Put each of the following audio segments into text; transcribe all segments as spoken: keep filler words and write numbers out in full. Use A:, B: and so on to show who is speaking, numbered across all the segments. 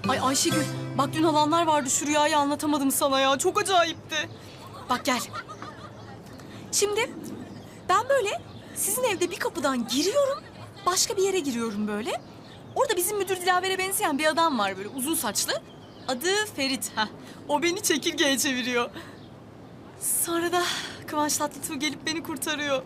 A: Ay Ayşegül, bak dün olanlar vardı, şu rüyayı anlatamadım sana ya. Çok acayipti. Bak gel. Şimdi ben böyle sizin evde bir kapıdan giriyorum, başka bir yere giriyorum böyle. Orada bizim müdür Dilaver'e benzeyen bir adam var böyle uzun saçlı. Adı Ferit. Heh. O beni çekirgeye çeviriyor. Sonra da Kıvanç Tatlıtuğ gelip beni kurtarıyor.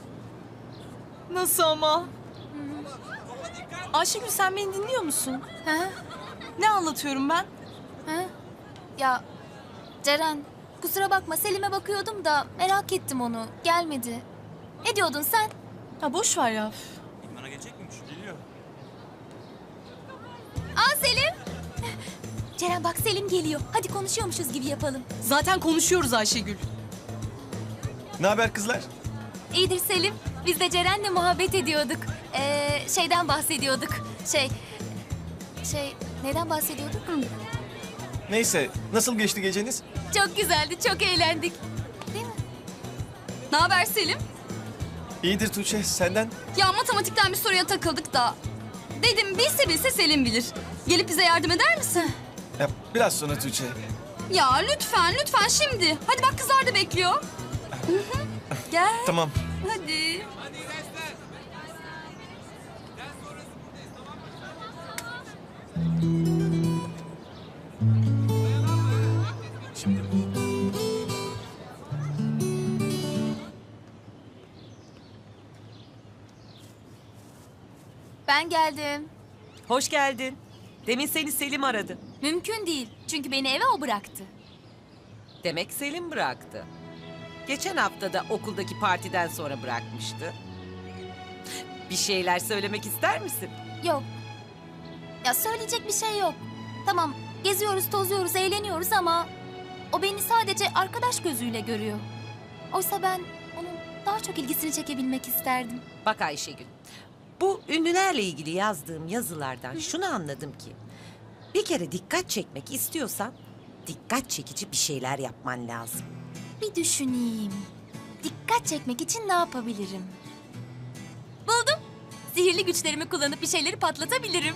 A: Nasıl ama? Ayşegül, sen beni dinliyor musun?
B: Ha?
A: Ne anlatıyorum ben?
B: Ha? Ya Ceren, kusura bakma, Selim'e bakıyordum da merak ettim onu. Gelmedi. Ne diyordun sen?
A: Ha boş ver ya.
C: Bana gelecek miymiş? Geliyor.
B: Aa Selim! Ceren bak, Selim geliyor. Hadi konuşuyormuşuz gibi yapalım.
A: Zaten konuşuyoruz Ayşegül.
C: Ne haber kızlar?
B: İyidir Selim. Biz de Ceren'le muhabbet ediyorduk. Ee, şeyden bahsediyorduk. Şey... Şey... Neden bahsediyorduk?
C: Neyse, nasıl geçti geceniz?
B: Çok güzeldi, çok eğlendik. Değil mi?
D: Ne haber Selim?
C: İyidir Tuğçe, senden?
D: Ya matematikten bir soruya takıldık da. Dedim bilse bilse Selim bilir. Gelip bize yardım eder misin?
C: Ya, biraz sonra Tuğçe.
D: Ya lütfen lütfen şimdi. Hadi bak kızlar da bekliyor. Hı hı. Gel
C: Tamam.
D: hadi.
B: Ben geldim.
E: Hoş geldin. Demin seni Selim aradı.
B: Mümkün değil. Çünkü beni eve o bıraktı.
E: Demek Selim bıraktı. Geçen hafta da okuldaki partiden sonra bırakmıştı. Bir şeyler söylemek ister misin?
B: Yok. Ya söyleyecek bir şey yok. Tamam, geziyoruz, tozuyoruz, eğleniyoruz ama... ...o beni sadece arkadaş gözüyle görüyor. Oysa ben onun daha çok ilgisini çekebilmek isterdim.
E: Bak Ayşegül, bu ünlülerle ilgili yazdığım yazılardan şunu anladım ki... ...bir kere dikkat çekmek istiyorsan... ...dikkat çekici bir şeyler yapman lazım.
B: Bir düşüneyim. Dikkat çekmek için ne yapabilirim? Buldum. Sihirli güçlerimi kullanıp bir şeyleri patlatabilirim.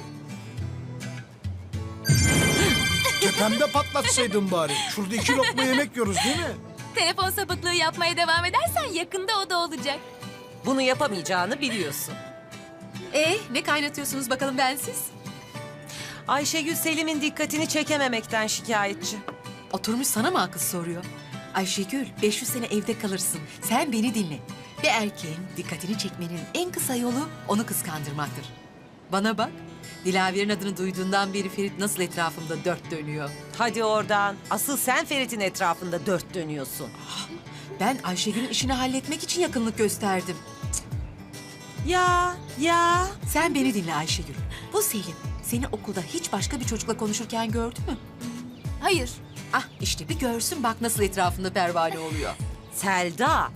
F: Tepemde patlatsaydın bari. Şurada iki lokma yemek yiyoruz değil mi?
B: Telefon sapıklığı yapmaya devam edersen yakında o da olacak.
E: Bunu yapamayacağını biliyorsun.
G: Ee, ne kaynatıyorsunuz bakalım bensiz?
E: Ayşegül Selim'in dikkatini çekememekten şikayetçi.
G: Oturmuş sana mı akıl soruyor? Ayşegül, beş yüz sene evde kalırsın. Sen beni dinle. Bir erkeğin dikkatini çekmenin en kısa yolu onu kıskandırmaktır. Bana bak, Dilaver'in adını duyduğundan beri Ferit nasıl etrafımda dört dönüyor.
E: Hadi oradan. Asıl sen Ferit'in etrafında dört dönüyorsun.
G: Ben Ayşegül'ün işini halletmek için yakınlık gösterdim.
E: Ya, ya.
G: Sen beni dinle Ayşegül. Bu Selim seni okulda hiç başka bir çocukla konuşurken gördü mü?
B: Hayır.
G: Ah işte bir görsün bak nasıl etrafında pervane oluyor.
E: Selda.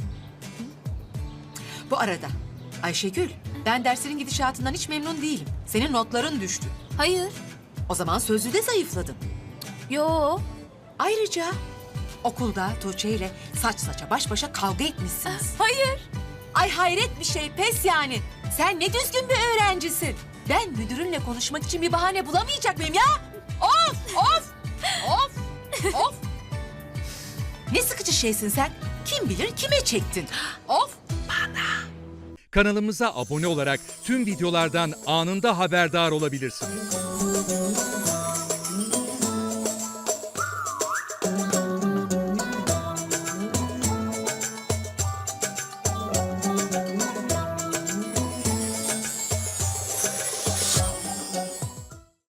G: Bu arada Ayşegül, ben derslerin gidişatından hiç memnun değilim. Senin notların düştü.
B: Hayır.
G: O zaman sözlüde zayıfladın.
B: Yo.
G: Ayrıca okulda Tuğçe ile saç saça baş başa kavga etmişsiniz.
B: Hayır.
G: Ay hayret bir şey, pes yani. Sen ne düzgün bir öğrencisin. Ben müdürünle konuşmak için bir bahane bulamayacak mıyım ya? Of, of, of, of. Ne sıkıcı şeysin sen. Kim bilir kime çektin. Of.
H: Kanalımıza abone olarak tüm videolardan anında haberdar olabilirsiniz.